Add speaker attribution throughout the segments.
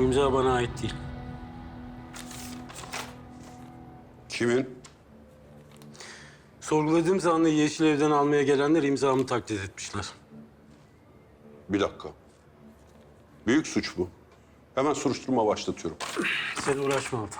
Speaker 1: İmza bana ait değil.
Speaker 2: Kimin?
Speaker 1: Sorguladığım zanlıyı Yeşilev'den almaya gelenler imzamı taklit etmişler.
Speaker 2: Bir dakika. Büyük suç bu. Hemen soruşturma başlatıyorum.
Speaker 1: Sen uğraşma Altan.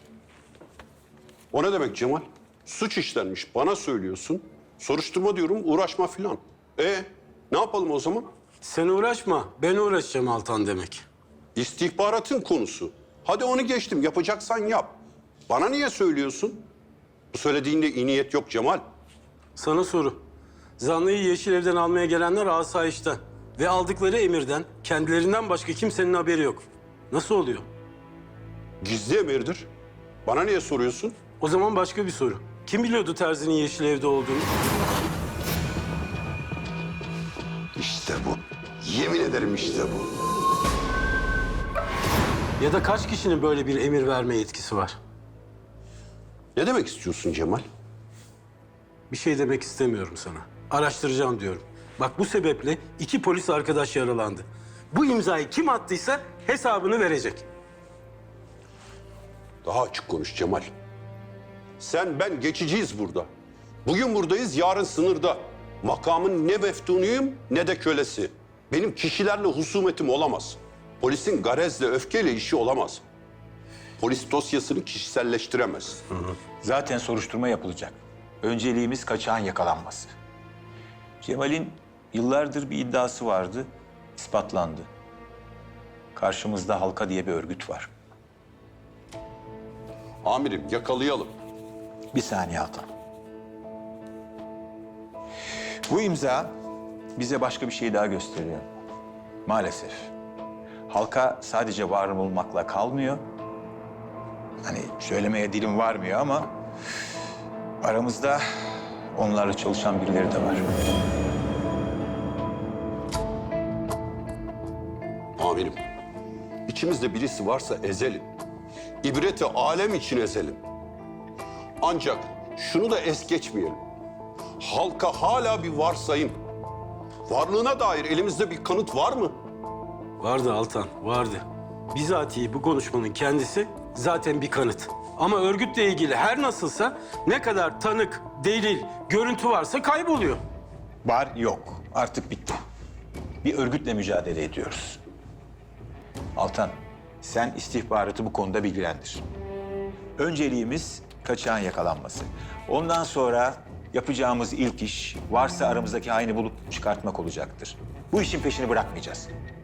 Speaker 2: O ne demek Cemal? Suç işlenmiş, bana söylüyorsun. Soruşturma diyorum, uğraşma filan. Ne yapalım o zaman?
Speaker 1: Sen uğraşma, ben uğraşacağım Altan demek.
Speaker 2: İstihbaratın konusu. Hadi onu geçtim, yapacaksan yap. Bana niye söylüyorsun? Bu söylediğinde iyi niyet yok Cemal.
Speaker 1: Sana soru. Zanlıyı Yeşilev'den almaya gelenler asayişten ve aldıkları emirden kendilerinden başka kimsenin haberi yok. Nasıl oluyor?
Speaker 2: Gizli emirdir. Bana niye soruyorsun?
Speaker 1: O zaman başka bir soru. Kim biliyordu Terzi'nin Yeşilev'de olduğunu?
Speaker 2: İşte bu. Yemin ederim işte bu.
Speaker 1: Ya da kaç kişinin böyle bir emir verme yetkisi var?
Speaker 2: Ne demek istiyorsun Cemal?
Speaker 1: Bir şey demek istemiyorum sana. Araştıracağım diyorum. Bak bu sebeple 2 polis arkadaş yaralandı. Bu imzayı kim attıysa hesabını verecek.
Speaker 2: Daha açık konuş Cemal. Sen ben geçiciyiz burada. Bugün buradayız, yarın sınırda. Makamın ne meftunuyum ne de kölesi. Benim kişilerle husumetim olamaz. Polisin garezle, öfkeyle işi olamaz. Polis dosyasını kişiselleştiremez.
Speaker 3: Zaten soruşturma yapılacak. Önceliğimiz kaçağın yakalanması. Cemal'in yıllardır bir iddiası vardı, ispatlandı. Karşımızda Halka diye bir örgüt var.
Speaker 2: Amirim yakalayalım.
Speaker 3: Bir saniye Altan. Bu imza bize başka bir şey daha gösteriyor. Maalesef. Halka sadece var olmakla kalmıyor. Hani söylemeye dilim varmıyor ama aramızda onlarla çalışan birileri de var.
Speaker 2: Amirim, içimizde birisi varsa ezelim. İbreti alem için ezelim. Ancak şunu da es geçmeyelim. Halka hala bir varsayım. Varlığına dair elimizde bir kanıt var mı?
Speaker 1: Vardı Altan, vardı. Bizatihi bu konuşmanın kendisi zaten bir kanıt. Ama örgütle ilgili her nasılsa ne kadar tanık, delil, görüntü varsa kayboluyor.
Speaker 3: Var yok. Artık bitti. Bir örgütle mücadele ediyoruz. Altan, sen istihbaratı bu konuda bilgilendir. Önceliğimiz kaçağın yakalanması. Ondan sonra yapacağımız ilk iş varsa aramızdaki haini bulup çıkartmak olacaktır. Bu işin peşini bırakmayacağız.